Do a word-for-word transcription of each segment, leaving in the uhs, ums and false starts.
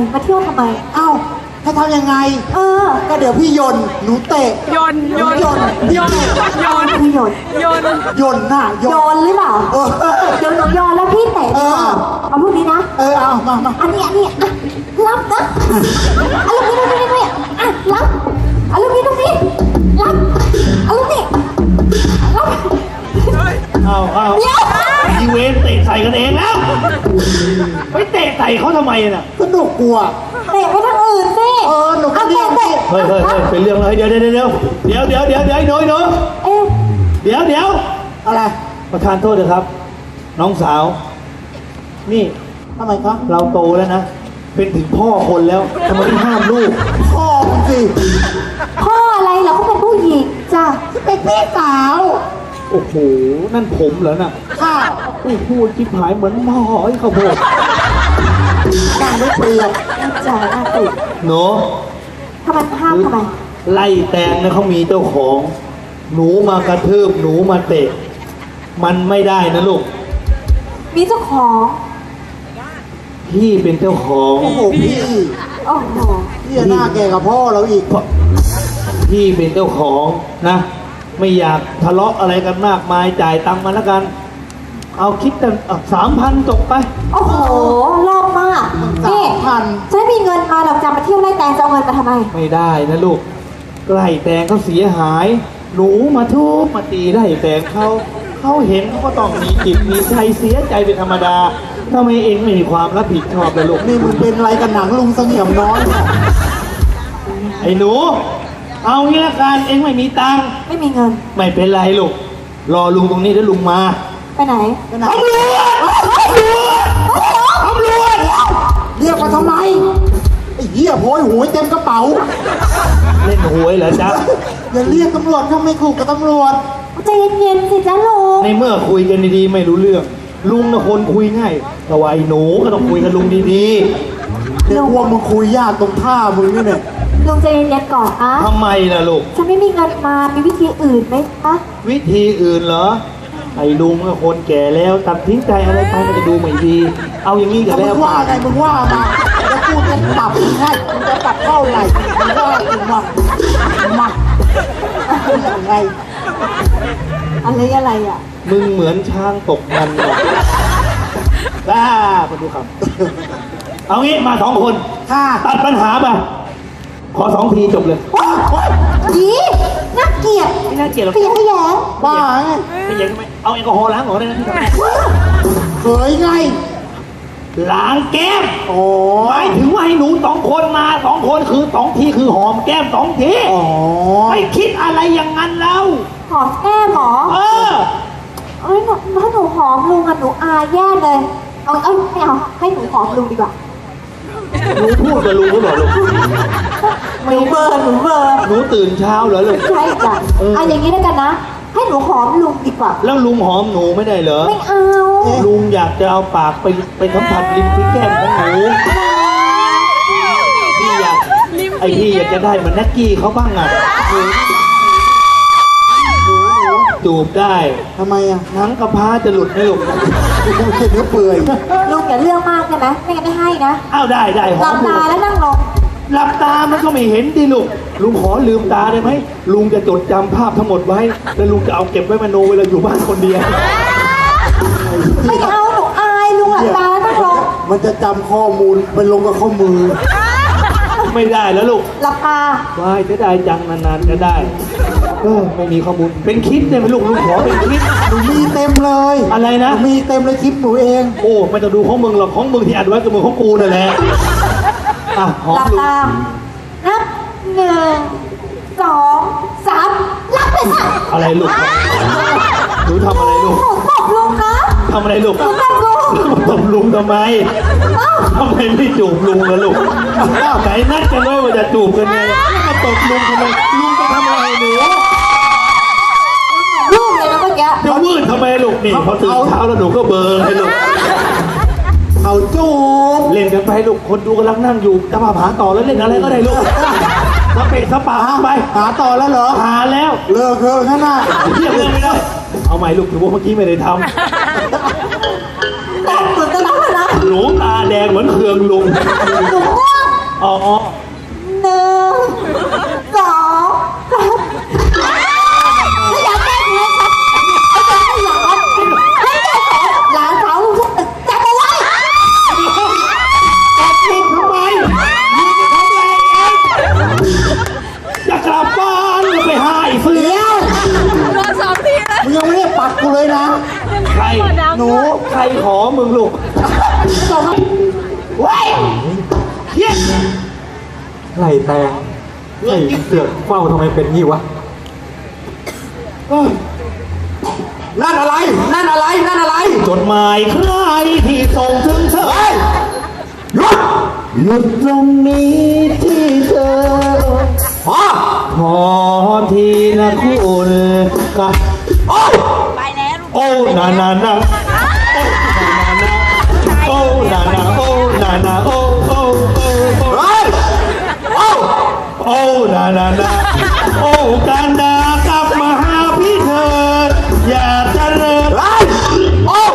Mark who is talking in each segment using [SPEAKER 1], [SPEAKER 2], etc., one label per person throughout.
[SPEAKER 1] มาเที่ยวทำไม
[SPEAKER 2] เอ้าให้ทำยังไง
[SPEAKER 1] เออ
[SPEAKER 2] ก็เดี๋ยวพี่ยนหนูเตะ
[SPEAKER 3] ยนยน
[SPEAKER 2] ยน
[SPEAKER 3] ยนยน
[SPEAKER 1] พี่โยน
[SPEAKER 3] ยน
[SPEAKER 2] ยนน่ะ
[SPEAKER 1] โยนหรือเปล่าโยนหนูโยนแล้วพี่เตะดีกว่าเอาพวกนี้นะ
[SPEAKER 2] เออเอามามา
[SPEAKER 1] อันนี้อันนี้อ่ะรับนะเอาลูกนี้ลูกนี้ลูกนี้อ่ะรับเอาลูกนี้ลูกนี้รับเอาลูกนี้รับ
[SPEAKER 4] เอาเอาอีเวนเตะใส่กันเองแล้วไปเตะใส่เขาทำไมน่ะ
[SPEAKER 2] สนุกกลัว
[SPEAKER 1] เตะไปทางอื่นสิ
[SPEAKER 2] เออหนูก็เรียนสิ
[SPEAKER 4] เฮ้ยเฮ้ยเฮ้ยเป็นเรื่องเลยเดี๋ยวเดี๋ยวเดี๋ยวเดี๋ยวเดี๋ยวเดี๋ยวเดี๋ยวเดี๋ยวเดี๋ยว
[SPEAKER 1] เอ๊ะ
[SPEAKER 4] เดี๋ยวเดี๋ยว
[SPEAKER 2] อะไร
[SPEAKER 4] ประธานโทษเถอะครับน้องสาวนี่
[SPEAKER 2] ทำไมครับ
[SPEAKER 4] เราโตแล้วนะเป็นถึงพ่อคนแล้วทำไมไม่ห้ามลูก
[SPEAKER 2] พ่อสิ
[SPEAKER 1] พ่ออะไรเราก็เป็นผู้หญิงจ้ะ
[SPEAKER 2] เป็นพี่สาว
[SPEAKER 4] โอ้โหนั่นผมเหรอน่ะ
[SPEAKER 2] ค่ะ
[SPEAKER 4] โอ้โหจิ๊บหายเหมือนหม้อไอ้ข้าวโพด
[SPEAKER 2] ดังไม่เปลี่ยน
[SPEAKER 1] จ้ะน่าติด
[SPEAKER 4] หนู
[SPEAKER 1] ทำไมห้ามทำไม
[SPEAKER 4] ไล่แตงนะเขามีเจ้าของหนูมากระทืบหนูมาเตะมันไม่ได้นะลูก
[SPEAKER 1] มีเจ้าของ
[SPEAKER 4] พี่เป็นเจ้าของ
[SPEAKER 2] โอ้โหพี่
[SPEAKER 1] โอ้โห
[SPEAKER 2] พี่หน้าแก่กับพ่อเราอีก
[SPEAKER 4] พี่เป็นเจ้าของนะไม่อยากทะเลาะอะไรกันมากมายจ่ายตังค์มาแล้วกันเอาคิดกันสามพันจบไป
[SPEAKER 1] โอ้โหรอบมากนี่
[SPEAKER 2] พัน
[SPEAKER 1] จะมีเงินมาเราจะมาเที่ยวไล่แตงจะเอาเงินมาทำไม
[SPEAKER 4] ไม่ได้นะลูกไล่แตงเขาเสียหายหนูมาทุบมาตีไล่แตงเขาเขาเห็นเขาก็ต้องมีจิตมีใจเสียใจเป็นธรรมดาทำไมเองไม่มีความรับผิดชอบเลยลูก
[SPEAKER 2] นี่มึงเป็นอะไรกันหนังลุงเสงี่ยมน้อย
[SPEAKER 4] ไอ้หนูเอางี้ละกันเองไม่มีตังค์
[SPEAKER 1] ไม่มีเงิน
[SPEAKER 4] ไม่เป็นไรลูกรอลุงตรงนี้เดี๋ยวลุงมา
[SPEAKER 1] ไปไหน
[SPEAKER 2] ไปไหน
[SPEAKER 4] ตำรวจตำรวจ
[SPEAKER 2] เรียกมาทำไมไอ้เหี้ยโผล่หวยเต็มกระเป๋า
[SPEAKER 4] เล่นหวยเหรอจ๊ะ
[SPEAKER 2] อย่าเรียกตำรวจถ้าไม่ขู่กับตำรวจ
[SPEAKER 1] ใจเย็นๆสิจ๊ะลุง
[SPEAKER 4] ในเมื่อคุยกันดีๆไม่รู้เรื่องลุงนะคนคุยง่ายแต่ว่าไอ้หนูก็ต้องคุยกับลุงดี
[SPEAKER 2] ๆเดี๋ยวพวกมึงคุยยากตรงท่ามึงนี่เนี่ย
[SPEAKER 1] ลุงใจเย็นๆก่อนอะ
[SPEAKER 4] ทำไมล่ะลูก
[SPEAKER 1] ฉันไม่มีเงินมามีวิธีอื่นไหมคะ
[SPEAKER 4] วิธีอื่นเหรอไอ้ลุงก็คนแก่แล้วตัดทิ้งใจอะไรไปมันจะดูไม่ดีเอาอย่างนี้กันแล้ว
[SPEAKER 2] มึงว่าไงมึงว่ามาแล้วกูจะปรับให้มึงจะปรับเท่าไหร่มึงว่ากูมามาอะไร
[SPEAKER 1] อะไรอะไรอ่ะ
[SPEAKER 4] มึงเหมือนช้างตกมันหรอกบ้ามาดูครับเอางี้มาสองคนตัดปัญหาไปขอสองทีจบเลย
[SPEAKER 1] ยีน่าเกลียด
[SPEAKER 4] ไม่น่าเกลียดหรอก
[SPEAKER 1] เกลียดไม่แย่
[SPEAKER 2] บ้าไง
[SPEAKER 4] ไม่แย่ทำไมเอาแอลกอฮอล์ล้างหัวได้นะพี่ทำไม
[SPEAKER 2] เคยไง
[SPEAKER 4] ล้างแก้ม
[SPEAKER 2] โอ้
[SPEAKER 4] หมายถึงว่าให้หนูสองคนมาสองคนคือสองทีคือหอมแก้มสองที
[SPEAKER 2] อ๋อ
[SPEAKER 4] ไม่คิดอะไรอย่างนั้นแล้ว
[SPEAKER 1] หอมแก้มหรอ
[SPEAKER 4] เออ
[SPEAKER 1] เอ้ยถ้าหนูหอมลุงอะหนูอายแย่เลยเอาเอาไม่เอาให้หนูหอมลุงดีกว่า
[SPEAKER 4] หนูพูดกับลุงก็บอกลุง
[SPEAKER 1] หนูเบอร์หนูเบอร์
[SPEAKER 4] หนูตื่นเช้าเหรอลุง
[SPEAKER 1] ใช่จ้ะเอาอย่างนี้แล้วกันนะให้หนูหอมลุงดีกว่า
[SPEAKER 4] แล้วลุงหอมหนูไม่ได้เหรอ
[SPEAKER 1] ไม่เอา
[SPEAKER 4] ลุงอยากจะเอาปากไปไปสัมผัสริมที่แก้มของหนูพี่อยากไอ้พี่อยากจะได้เหมือนนักกี้เขาบ้างอ่ะหนูจูบได้
[SPEAKER 2] ทำไมอ่ะ
[SPEAKER 4] หนังกระพร้าจะหลุดไหมลูก
[SPEAKER 2] กูเห็นเนื้อเปื่อย
[SPEAKER 1] ลุงอย่าเรื่องมากใช่ไหมไม่งั้นไม่ให้นะ
[SPEAKER 4] อ้าวได้ได้
[SPEAKER 1] หลับตาแล้วนั่งลง
[SPEAKER 4] หลับตามันก็ไม่เห็นดิลูกลุงขอลืมตาได้ไหมลุงจะจดจำภาพทั้งหมดไว้แล้วลุงจะเอาเก็บไว้มโนเวลาอยู่บ้านคนเดียว
[SPEAKER 1] ไม่เอาหนูอายลุงหลับตาแล้วนั่งลง
[SPEAKER 2] มันจะจำข้อมูลไปลงกับข้อมือ
[SPEAKER 4] ไม่ได้แล้วลูก
[SPEAKER 1] หลับตา
[SPEAKER 4] ว้ายจะได้จังนานๆจะได้เออไม่มีข้อมูลเป็นคลิปได้ไหมลูกลุงขอเป็นคลิป
[SPEAKER 2] หนูมีเต็มเลย
[SPEAKER 4] อะไรนะ
[SPEAKER 2] มีเต็มเลยคลิปหนูเอง
[SPEAKER 4] โอ้ไม่ต้องดูของมึงหรอกของมึงที่อัดไว้กับมึงของกูนั่นแหละอ่ะหอมลุง
[SPEAKER 1] นับหนึ่งสองสามรับไปค่ะ
[SPEAKER 4] อะไรลูกหนูทำอะไรลูก
[SPEAKER 1] หนูตบลุงนะ
[SPEAKER 4] ทำอะไรลูก
[SPEAKER 1] หนูตบลุง
[SPEAKER 4] ตบลุงทำไมทำไมไม่จูบลุงล่ะลูกไหนนัดกันไว้ว่าจะจูบกันไงมาตบลุงทำไมลุงจะทำอะไรหนู
[SPEAKER 1] ลูกเลยนะเมื่อกี้
[SPEAKER 4] จะวืดทำไมลูกนี่พอตื่นเช้าแล้วหนูก็เบอร์ให้ลูก
[SPEAKER 2] เอาจูบ
[SPEAKER 4] เล่นกันไปลูกคนดูกำลังนั่งอยู่จะมาหาต่อแล้วเล่นอะไรก็ได้ลูกสเปะสปาไป
[SPEAKER 2] หาต่อแล้วเหรอ
[SPEAKER 4] หาแล้ว
[SPEAKER 2] เลิกเถอะข้างหน้า
[SPEAKER 4] เทียบเลยไม่ได้เอาใหม่ลูกถือว่าเมื่อกี้ไม่ได้ท
[SPEAKER 1] ำแต่เหมือนกันนะ
[SPEAKER 4] หนูตาแดงเหมือนเครืองลุง
[SPEAKER 1] หนูง่วง
[SPEAKER 4] อ๋อ
[SPEAKER 1] หนึ่งสองสามไม่อยากแก้ไขครับไอ้แกไม่อยากครับไม่ใช่ของหลานสาวลูกฉันจับเอาไว้
[SPEAKER 4] จับลูกทำไมลูกจะทำอะไรเองจะกลับบ้านจะไปหาไอ้เสือ
[SPEAKER 3] โดนสองทีแล้ว
[SPEAKER 2] มึงยังไม่ได้ปัดกูเลยนะ
[SPEAKER 4] ใครหนูใครขอมึงลูกส่งมาเว้ยเฮีย
[SPEAKER 5] ไล่แตงไอ้เสือกเฝ้าทำไมเป็นงี้วะ นั่นอะไร นั่นอะไร นั่นอะไร
[SPEAKER 4] จดหมายใครที่ส่งถึงเธอ
[SPEAKER 5] หยุด
[SPEAKER 4] หยุดตรงนี้ที่เธอ
[SPEAKER 5] พอ
[SPEAKER 4] ขอทีละคุณกับ
[SPEAKER 5] โอ้ย
[SPEAKER 3] ไปแล้วลูก
[SPEAKER 4] โอ้นานานาโอ้นานาโอ้นานาโอ้โอ้โอ้โอ้
[SPEAKER 5] เฮ้ยโอ้
[SPEAKER 4] โอ้นานานาโอ้กันดากลับมาหาพี่เถิดอย่าเจริญ
[SPEAKER 5] เฮ้ยโอ้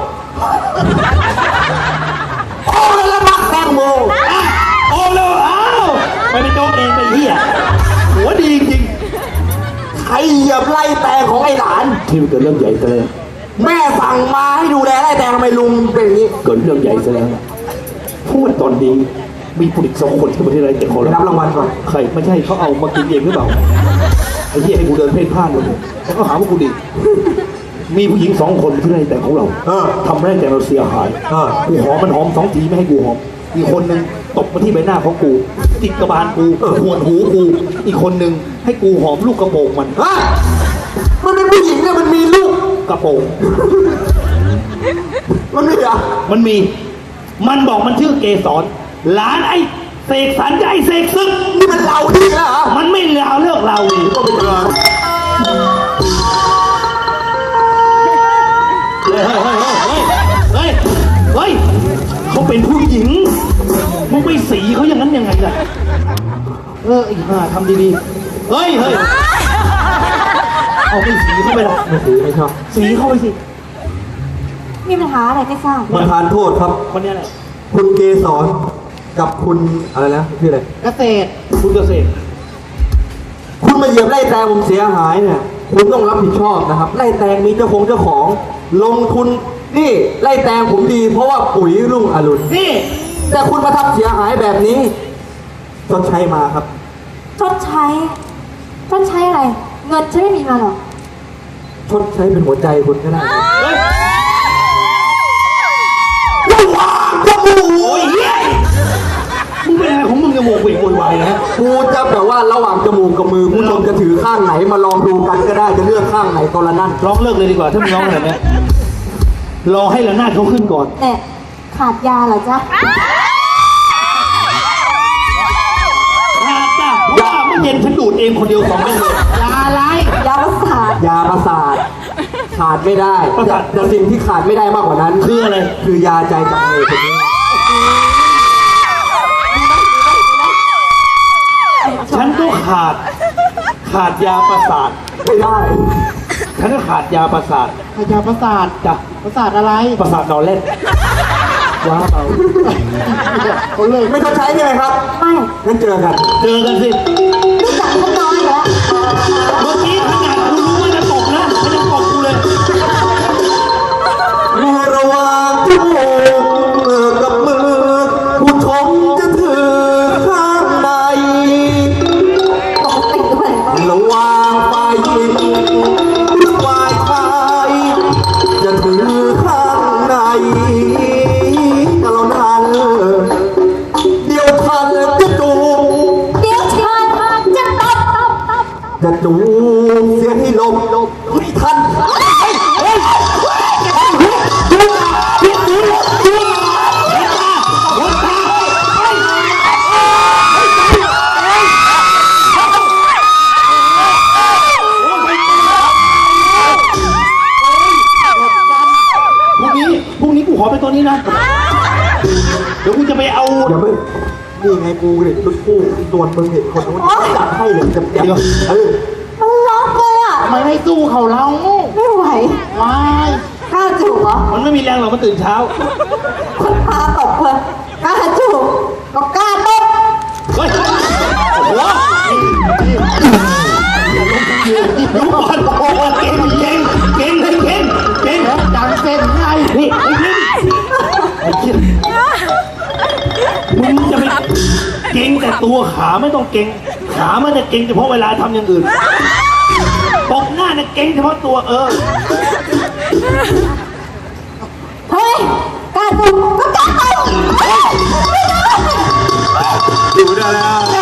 [SPEAKER 5] โอ้แล้วละมักแตงโม
[SPEAKER 4] อ่ะโอ้แล้วอ้าวไม่ได้โจ๊กเองไปเหี้ยหัวดีจริง
[SPEAKER 5] ใครเหยียบไล่แตงของไอ้หลาน
[SPEAKER 4] ที่มันเกิดเรื่องใหญ่ซะแล้ว
[SPEAKER 5] แม่สั่งมาให้ดูแลไล่แตงทำไมลุงเป็นอย่างนี้
[SPEAKER 4] เกิดเรื่องใหญ่ซะแล้วพูดตอนนี้มีผู้หญิงสองคนที่ประเทศอะไรแต่คน
[SPEAKER 5] ไปรับรางวัลก่อน
[SPEAKER 4] ใครไม่ใช่เขาเอามากินเองหรือเปล่าไอ้เหี้ยให้กูเดินเพ่นพ่านเลยแล้วก็หาว่ากูดีมีผู้หญิงสองคนที่ไร่แต่งของเรา
[SPEAKER 5] เออ
[SPEAKER 4] ทำให้แต่งเราเสียหาย
[SPEAKER 5] เออ
[SPEAKER 4] กูหอมมันหอมสองทีไม่ให้กูหอมอีกคนหนึ่งตบมาที่ใบหน้าของกูติดกระบาลกูขวนหูกูอีกคนหนึ่งให้กูหอมลูกกระโปรงมัน
[SPEAKER 5] ฮะมันเป็นผู้หญิงเนี่ยมันมีลูก
[SPEAKER 4] กระโปรง
[SPEAKER 5] มันไม่เหรอ
[SPEAKER 4] มันมี มันบอกมันชื่อเกสรหลานไอ้เสกสรรกับไอ้เสกซึก
[SPEAKER 5] นี่มันเราดีแล้วเหรอ
[SPEAKER 4] มันไม่เลวเลิกเราอีก
[SPEAKER 5] ก็เป็นเรื่อง
[SPEAKER 4] เฮ้ยเฮ้ยเฮ้ยเฮ้ยเฮ้ยเขาเป็นผู้หญิงมึงไปสีเขาอย่างนั้นยังไงล่ะเออไอ้ห่าทำดีๆเฮ้ยเฮ้ยเอาไปสีเข้าไปละ
[SPEAKER 5] ไม่ถือไม่ชอบ
[SPEAKER 4] สีเข้าไปสิ
[SPEAKER 1] มีปัญหาอะไรไม่ทราบ
[SPEAKER 5] ประธานโทษครับ
[SPEAKER 4] คนเนี้ยแหละ
[SPEAKER 5] คุณเกสรกับคุณอะไรนะชื่ออะไร
[SPEAKER 2] เกษตร
[SPEAKER 4] คุณเกษตร
[SPEAKER 5] คุณมาเหยียบไล่แตงผมเสียหายเนี่ย คุณต้องรับผิดชอบนะครับ ไล่แตงมีเจ้าของเจ้าของ ลงทุนนี่ไล่แตงผมดี เพราะว่าปุ๋ยรุ่งอรุณ
[SPEAKER 4] นี่
[SPEAKER 5] แต่คุณมาทำเสียหายแบบนี้ชดใช้มาครับ
[SPEAKER 1] ชดใช้ ชดใช้อะไร เงินฉันไม่มีมาหรอก
[SPEAKER 5] ชดใช้เป็นหัวใจคุณก็ได้
[SPEAKER 4] เฮ้ย
[SPEAKER 5] ว้าวจมูก
[SPEAKER 4] โอ้ยเฮียมึงเป็นอะไรของมึงจมูกวิ่งโวยวายนะ
[SPEAKER 5] กูจะแบบว่าระหว่างจมูกกับมือผู้ชมจะถือข้างไหนมาลองดูกันก็ได้จะเลือกข้างไหนก็ละนั่น
[SPEAKER 4] ร้องเลิกเลยดีกว่าถ้ามึงร้องขนาดเนี้ยรอให้ระนาดเขาขึ้นก่อน
[SPEAKER 1] แต่ขาดยาเหรอจ๊ะ
[SPEAKER 4] ขาดจ้ะเพราะว่าเมื่อเย็นฉันดูดเองคนเดียวสองเม็ดเลย
[SPEAKER 2] ยาอะไร
[SPEAKER 1] ยาประสาท
[SPEAKER 5] ยาประสาทขาดไม่ได้
[SPEAKER 4] ประสาท
[SPEAKER 5] แต่สิ่งที่ขาดไม่ได้มากกว่านั้น
[SPEAKER 4] คืออะไร
[SPEAKER 5] คือยาใจจังเลยคนนี้
[SPEAKER 4] ฉันก็ขาด ขาดยาประสาท
[SPEAKER 5] ไม่ได้
[SPEAKER 4] ฉันก็ขาดยาประสาท
[SPEAKER 2] พยาประสาท
[SPEAKER 4] จ้ะ
[SPEAKER 2] ประสาทอะไร
[SPEAKER 4] ประสาทนอนเล่นว้าเบา
[SPEAKER 2] เขาเลย
[SPEAKER 5] ไม่ชดใช้ใช่ไหมครับ
[SPEAKER 1] ไม่
[SPEAKER 5] งั้นเจอกัน
[SPEAKER 4] เจอกันสิ
[SPEAKER 1] รู้จักกันน้อยแล้ว
[SPEAKER 4] เมื่อกี้ขนาดกูรู้ว่าจะตกนะมันยังตกกูเลย
[SPEAKER 5] เมื่อระหว่างจมูกกับมือผู้ชมจะถือข้างใน
[SPEAKER 1] ปกติด้วย
[SPEAKER 5] ระหว่างฝ่ายหญิงฝ่ายชายจะถือข้างในกระนั้นเดี๋ยวทันจะจูบ
[SPEAKER 1] เดี๋ยวฉันจะตบตบตบ
[SPEAKER 5] จะจูบเสียให้ลมเฮ้ยทันเฮ้ยเฮ้ยจูบจูบจูบจูบ
[SPEAKER 4] พรุ่งนี้พรุ่งนี้กูขอเป็นตัวนี้นะ เดี๋ยวกูจะไปเอา
[SPEAKER 5] อย่าเพิ่งนี่ไงกูเนี่ยรุ่นคู่ส่วนมึงเห็นคนนู้นจัดให้เลยเต็มๆเออ
[SPEAKER 1] มันล็อกเลยอ่ะ
[SPEAKER 2] ทำไมไม่สู้เขาเรา
[SPEAKER 1] ไม่ไหว
[SPEAKER 2] วาย
[SPEAKER 1] กล้าจูบเหรอ
[SPEAKER 4] มันไม่มีแรงหรอกมันตื่นเช้า
[SPEAKER 1] คนพาตบเลยกล้าจูบก็กล้าตบ
[SPEAKER 4] เฮ้ยโอ้โหดูก่อนโอ้โหเก่งเก่งเก่งเลยเก่งเก่ง
[SPEAKER 2] จังเป็นไง
[SPEAKER 4] นี่ไอ้เก่งไอ้เก่งมึงจะไปเก่งแต่ตัวขาไม่ต้องเก่งขามันจะเก่งเฉพาะเวลาทำอย่างอื่นตกหน้าเนี่ยเก่งเฉพาะตัวเออ
[SPEAKER 1] เฮ้ยกล้าตุ่มก็กล้าตุ่ม
[SPEAKER 5] ดูได้แล้ว